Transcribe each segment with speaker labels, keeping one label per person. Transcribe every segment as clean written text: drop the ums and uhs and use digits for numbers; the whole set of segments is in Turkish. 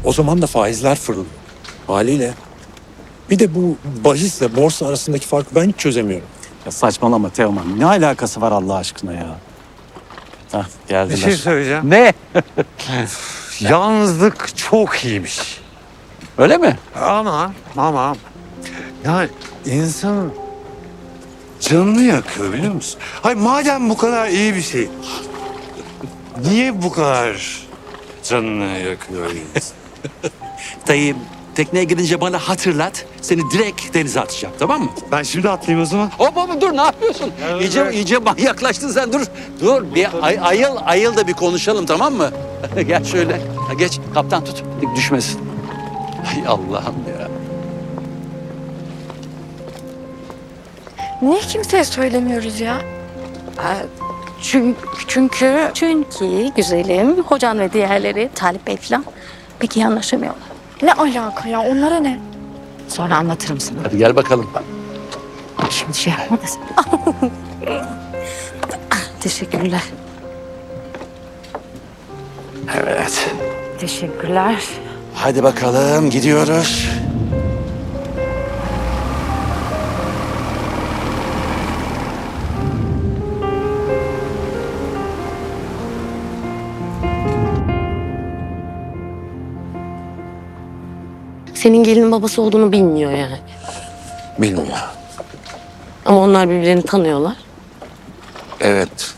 Speaker 1: O zaman da faizler fırlıyor. Haliyle. Bir de bu bahisle borsa arasındaki farkı ben hiç çözemiyorum.
Speaker 2: Ya saçmalama Teoman. Ne alakası var Allah aşkına ya? Hah geldiler.
Speaker 3: Bir şey söyleyeceğim.
Speaker 2: Ne?
Speaker 3: Yalnızlık çok iyiymiş.
Speaker 2: Öyle mi?
Speaker 3: Ama ya insan canını yakıyor biliyor musun? Hayır madem bu kadar iyi bir şey, niye bu kadar canını yakıyor insan?
Speaker 4: Dayı tekneye gidince bana hatırlat. Seni direkt denize atacağım, tamam mı?
Speaker 3: Ben şimdi atlayayım o zaman.
Speaker 4: Hop dur, ne yapıyorsun? İyice manyaklaştın sen, dur. Dur bir ayıl da bir konuşalım, tamam mı? Gel şöyle. Ha, geç kaptan, tut düşmesin. Ay Allah'ım ya.
Speaker 5: Niye kimseye söylemiyoruz ya? Çünkü güzelim, hocan ve diğerleri, Talip Bey falan pek iyi anlaşamıyorlar. Ne alaka ya? Onlara ne? Sonra anlatırım sana.
Speaker 4: Hadi gel bakalım.
Speaker 5: Şimdi şey yapma da sen. Teşekkürler.
Speaker 4: Evet.
Speaker 5: Teşekkürler.
Speaker 4: Hadi bakalım, gidiyoruz.
Speaker 6: Senin gelinin babası olduğunu bilmiyor yani.
Speaker 4: Bilmiyor.
Speaker 6: Ama onlar birbirlerini tanıyorlar.
Speaker 7: Evet.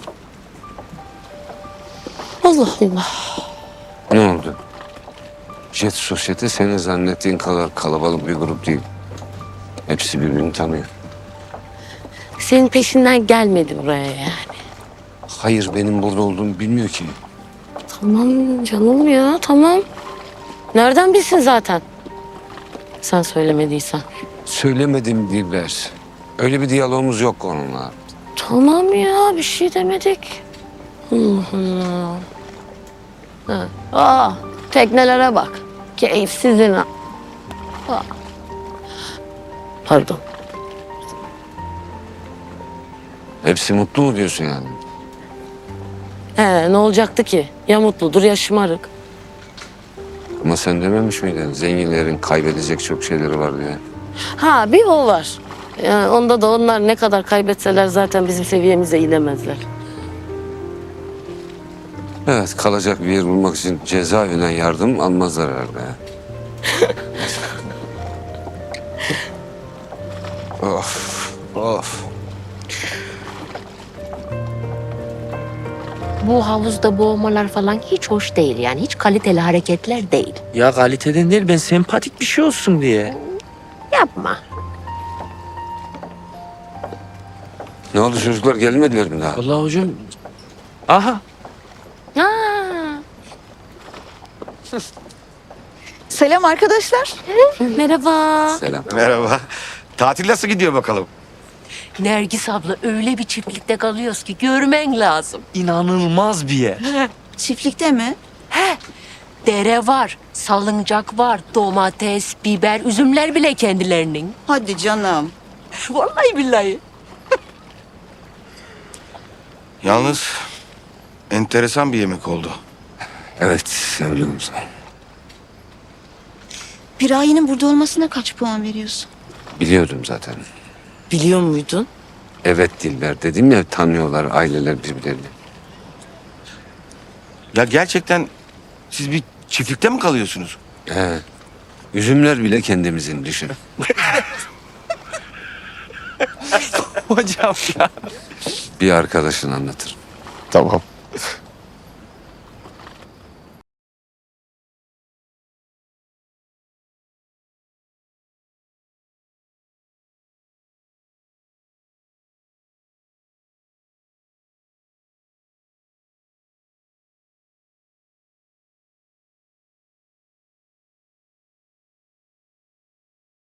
Speaker 6: Allah Allah.
Speaker 7: Ne oldu? Jet Sosyete senin zannettiğin kadar kalabalık bir grup değil. Hepsi birbirini tanıyor.
Speaker 6: Senin peşinden gelmedi buraya yani.
Speaker 7: Hayır, benim burada olduğumu bilmiyor ki.
Speaker 6: Tamam canım ya, tamam. Nereden bilsin zaten? Sen söylemediysen.
Speaker 7: Söylemedim Dilber. Öyle bir diyalogumuz yok onunla.
Speaker 6: Tamam ya, bir şey demedik. Allah Allah. Teknelere bak. Keyifsizin ha. Pardon.
Speaker 7: Hepsi mutlu mu diyorsun yani?
Speaker 6: Ne olacaktı ki? Ya mutludur ya şımarık.
Speaker 7: Ama sen dememiş miydin? Zenginlerin kaybedecek çok şeyleri var diye.
Speaker 6: Ha bir o var. Yani onda da onlar ne kadar kaybetseler zaten bizim seviyemize inemezler.
Speaker 7: Evet, kalacak bir yer bulmak için cezaevinden yardım almazlar herhalde. Of, of.
Speaker 8: Bu havuzda boğmalar falan hiç hoş değil yani. Hiç kaliteli hareketler değil.
Speaker 9: Ya kaliteden değil, ben sempatik bir şey olsun diye.
Speaker 8: Yapma.
Speaker 7: Ne oldu, çocuklar gelmediler mi daha?
Speaker 9: Vallahi hocam. Aha.
Speaker 5: Selam arkadaşlar.
Speaker 6: Merhaba.
Speaker 7: Selam.
Speaker 10: Merhaba. Tatil nasıl gidiyor bakalım?
Speaker 8: Nergis abla öyle bir çiftlikte kalıyoruz ki görmen lazım.
Speaker 9: İnanılmaz bir yer.
Speaker 5: Çiftlikte mi?
Speaker 8: Dere var, salıncak var, domates, biber, üzümler bile kendilerinin.
Speaker 5: Hadi canım.
Speaker 8: Vallahi billahi.
Speaker 10: Yalnız enteresan bir yemek oldu.
Speaker 7: Evet, öyle oldu.
Speaker 5: Piraye'nin burada olmasına kaç puan veriyorsun?
Speaker 7: Biliyordum zaten.
Speaker 6: Biliyor muydun?
Speaker 7: Evet Dilber, dedim ya, tanıyorlar aileler birbirlerini.
Speaker 10: Ya gerçekten siz bir çiftlikte mi kalıyorsunuz?
Speaker 7: He. Üzümler bile kendimizin, düşün.
Speaker 9: Hocam ya.
Speaker 7: Bir arkadaşın anlatır.
Speaker 10: Tamam.